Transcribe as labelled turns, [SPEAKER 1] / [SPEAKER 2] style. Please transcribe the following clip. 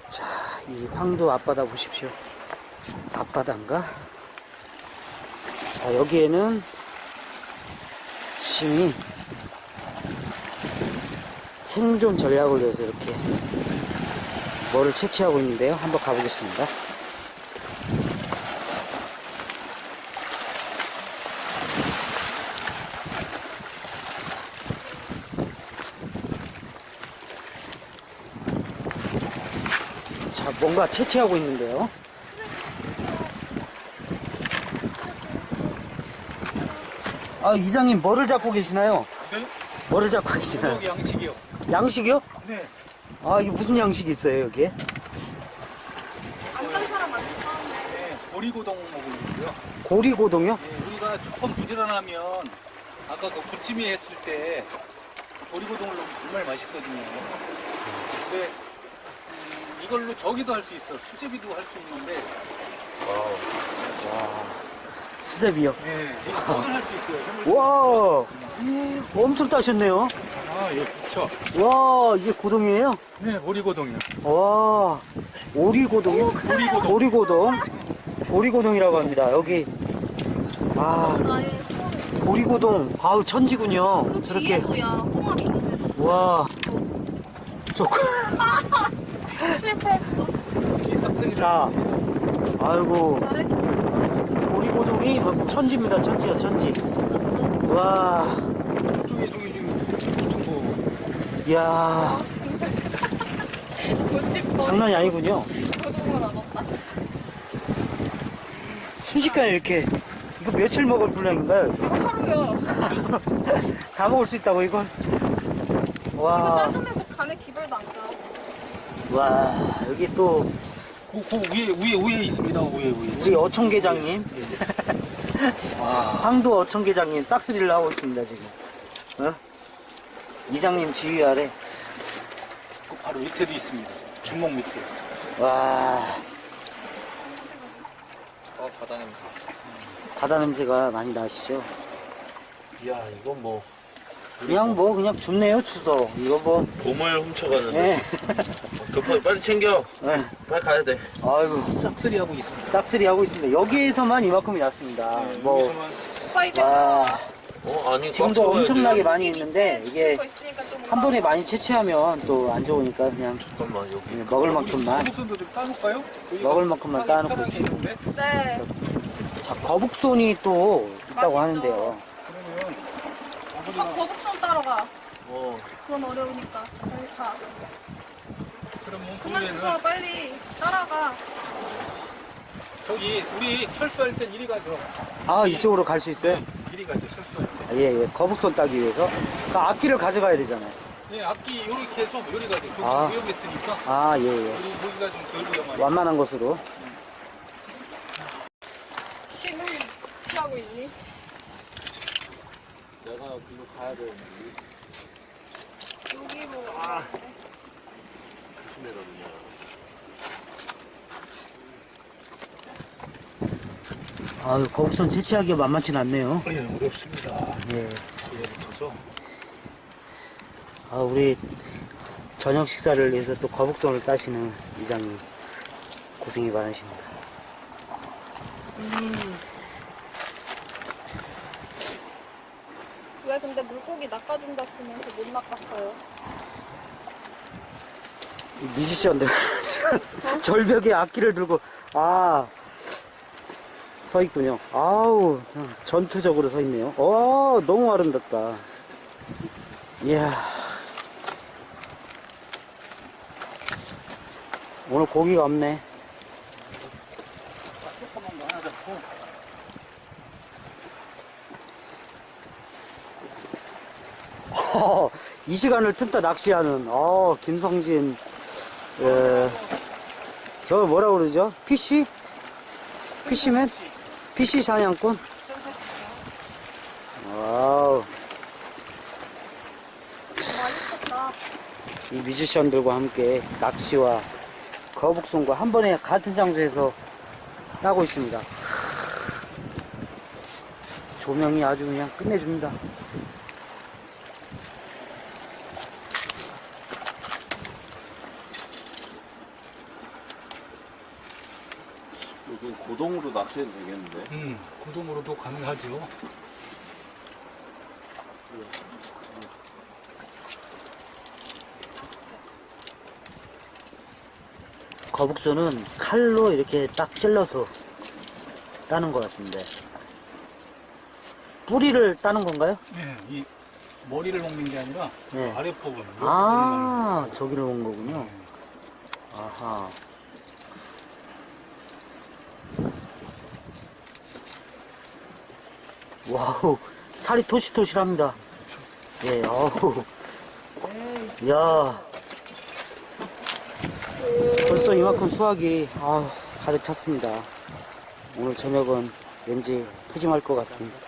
[SPEAKER 1] 자, 이 황도 앞바다 보십시오. 앞바다인가? 자, 여기에는 심이 생존 전략을 위해서 이렇게 뭐를 채취하고 있는데요. 한번 가보겠습니다. 자, 뭔가 채취하고 있는데요. 아, 이장님 뭐를 잡고 계시나요?
[SPEAKER 2] 네?
[SPEAKER 1] 뭐를 잡고 계시나요?
[SPEAKER 2] 양식이요.
[SPEAKER 1] 양식이요?
[SPEAKER 2] 네.
[SPEAKER 1] 아, 이게 무슨 양식이 있어요, 여기에?
[SPEAKER 3] 안간 사람 많다.
[SPEAKER 2] 네, 보리고동 먹고 있고요.
[SPEAKER 1] 고리고동이요?
[SPEAKER 2] 네, 우리가 조금 부지런하면 아까 그 부침이 했을 때 보리고동을 넣으면 정말 맛있거든요. 근데 이걸로 저기도 할 수 있어. 수제비도 할 수 있는데.
[SPEAKER 1] 수제비요?
[SPEAKER 2] 네, 이거 할수 있어요.
[SPEAKER 1] 와, 엄청 따셨네요.
[SPEAKER 2] 아, 예, 그렇죠.
[SPEAKER 1] 와, 이게 고동이에요?
[SPEAKER 2] 네, 보리고동이요.
[SPEAKER 1] 와, 오리고동이요? 오리고동. 오리고동이라고 합니다. 여기. 아,
[SPEAKER 3] 나의 소원.
[SPEAKER 1] 오리고동. 아우, 천지군요.
[SPEAKER 3] 그리고
[SPEAKER 1] 저렇게.
[SPEAKER 3] 뒤에 뭐야? 홍합 있는데도
[SPEAKER 1] 와. 좋고.
[SPEAKER 3] 실패했어.
[SPEAKER 2] 이 싹쓸이.
[SPEAKER 1] 자, 아이고.
[SPEAKER 3] 잘했어.
[SPEAKER 1] 오리고동이 막 천지입니다. 천지야, 천지. 와,
[SPEAKER 2] 저기 중고.
[SPEAKER 1] 이야, 장난이 아니군요.
[SPEAKER 3] 고등어를 안 왔다.
[SPEAKER 1] 순식간에 이렇게. 이거 며칠 먹을 분량인가요?
[SPEAKER 3] 이거 하루요.
[SPEAKER 1] 다 먹을 수 있다고, 이건?
[SPEAKER 3] 이거
[SPEAKER 1] 와,
[SPEAKER 3] 짜증내서 간에 기별도 안 가.
[SPEAKER 1] 와, 여기 또,
[SPEAKER 2] 그 위에 있습니다. 위에.
[SPEAKER 1] 우리 어촌계장님. 황도 어촌계장님 싹쓸이를 하고 있습니다, 지금. 어? 이장님 지휘 아래.
[SPEAKER 2] 그 바로 밑에도 있습니다. 주먹 밑에.
[SPEAKER 1] 와,
[SPEAKER 2] 바다 냄새.
[SPEAKER 1] 바다 냄새가 많이 나시죠?
[SPEAKER 4] 이야, 이건 뭐
[SPEAKER 1] 그냥 줍네요, 주소. 이거 뭐,
[SPEAKER 4] 보물 훔쳐가는데.
[SPEAKER 1] 예.
[SPEAKER 4] 급하게 빨리 챙겨.
[SPEAKER 1] 예.
[SPEAKER 4] 빨리 가야 돼.
[SPEAKER 1] 아이고,
[SPEAKER 2] 싹쓸이 하고 있습니다.
[SPEAKER 1] 싹쓸이 하고 있습니다. 여기에서만 이만큼이 났습니다. 뭐,
[SPEAKER 2] 여기서만
[SPEAKER 3] 오빠 이제
[SPEAKER 1] 와,
[SPEAKER 4] 아니,
[SPEAKER 1] 지금도
[SPEAKER 4] 꽉
[SPEAKER 1] 엄청나게
[SPEAKER 4] 채워야지.
[SPEAKER 1] 많이 있는데, 이게
[SPEAKER 3] 거 있으니까 좀
[SPEAKER 1] 한 번에 많이 채취하면 또 안 좋으니까 그냥
[SPEAKER 4] 잠깐만, 여기.
[SPEAKER 1] 먹을 만큼만,
[SPEAKER 2] 거북선도 좀 따놓을까요?
[SPEAKER 1] 먹을 만큼만 따놓고 있습니다.
[SPEAKER 3] 네.
[SPEAKER 1] 자, 거북손이 또 있다고
[SPEAKER 3] 맛있죠.
[SPEAKER 1] 하는데요.
[SPEAKER 2] 그러면
[SPEAKER 3] 오빠 거북손 따러 가. 그건 어려우니까. 빨리 가.
[SPEAKER 2] 그러면
[SPEAKER 3] 그만
[SPEAKER 2] 그러면은
[SPEAKER 3] 주워 빨리 따라가.
[SPEAKER 2] 저기 우리 철수할 땐 이리 가죠.
[SPEAKER 1] 아, 이쪽으로 갈 수 있어요?
[SPEAKER 2] 이리 가죠. 철수할 때.
[SPEAKER 1] 아, 예, 예. 거북손 따기 위해서. 그 앞길을 가져가야 되잖아요.
[SPEAKER 2] 네, 앞뒤 이렇게 해서 요리 가죠. 저기
[SPEAKER 1] 아.
[SPEAKER 2] 위험했으니까
[SPEAKER 1] 아, 예, 예.
[SPEAKER 2] 우리 모기가 좀 덜 위험하니까.
[SPEAKER 1] 완만한 곳으로.
[SPEAKER 3] 힘을 취하고 있니?
[SPEAKER 4] 내가 그거 가야 돼.
[SPEAKER 3] 여기로.
[SPEAKER 4] 조심해라, 그냥.
[SPEAKER 1] 아유, 거북손 채취하기가 만만치 않네요.
[SPEAKER 4] 예, 어렵습니다.
[SPEAKER 1] 예.
[SPEAKER 4] 그래부터서.
[SPEAKER 1] 아, 우리 저녁 식사를 위해서 또 거북손을 따시는 이장님. 고생이 많으십니다.
[SPEAKER 3] 왜 근데 물고기 낚아준다 쓰면서 못 낚았어요?
[SPEAKER 1] 이 뮤지션들. 절벽에 악기를 들고, 서 있군요. 아우, 전투적으로 서 있네요. 너무 아름답다. 이야. 오늘 고기가 없네. 이 시간을 틈타 낚시하는, 김성진, 저 뭐라 그러죠? 피쉬? 피쉬맨? 피쉬 사냥꾼? 와우.
[SPEAKER 3] 맛있겠다.
[SPEAKER 1] 이 뮤지션들과 함께 낚시와 거북손과 한 번에 같은 장소에서 따고 있습니다. 조명이 아주 그냥 끝내줍니다.
[SPEAKER 4] 그 고동으로 낚시해도 되겠는데?
[SPEAKER 2] 구동으로도 가능하죠.
[SPEAKER 1] 거북선은 칼로 이렇게 딱 찔러서 따는 것 같습니다. 뿌리를 따는 건가요?
[SPEAKER 2] 네, 이 머리를 먹는 게 아니라
[SPEAKER 1] 네.
[SPEAKER 2] 아랫부분.
[SPEAKER 1] 아, 저기를 온 거군요. 아하. 와우, 살이 토실토실합니다. 예, 어우. 야 벌써 이만큼 수확이 가득 찼습니다. 오늘 저녁은 왠지 푸짐할 것 같습니다.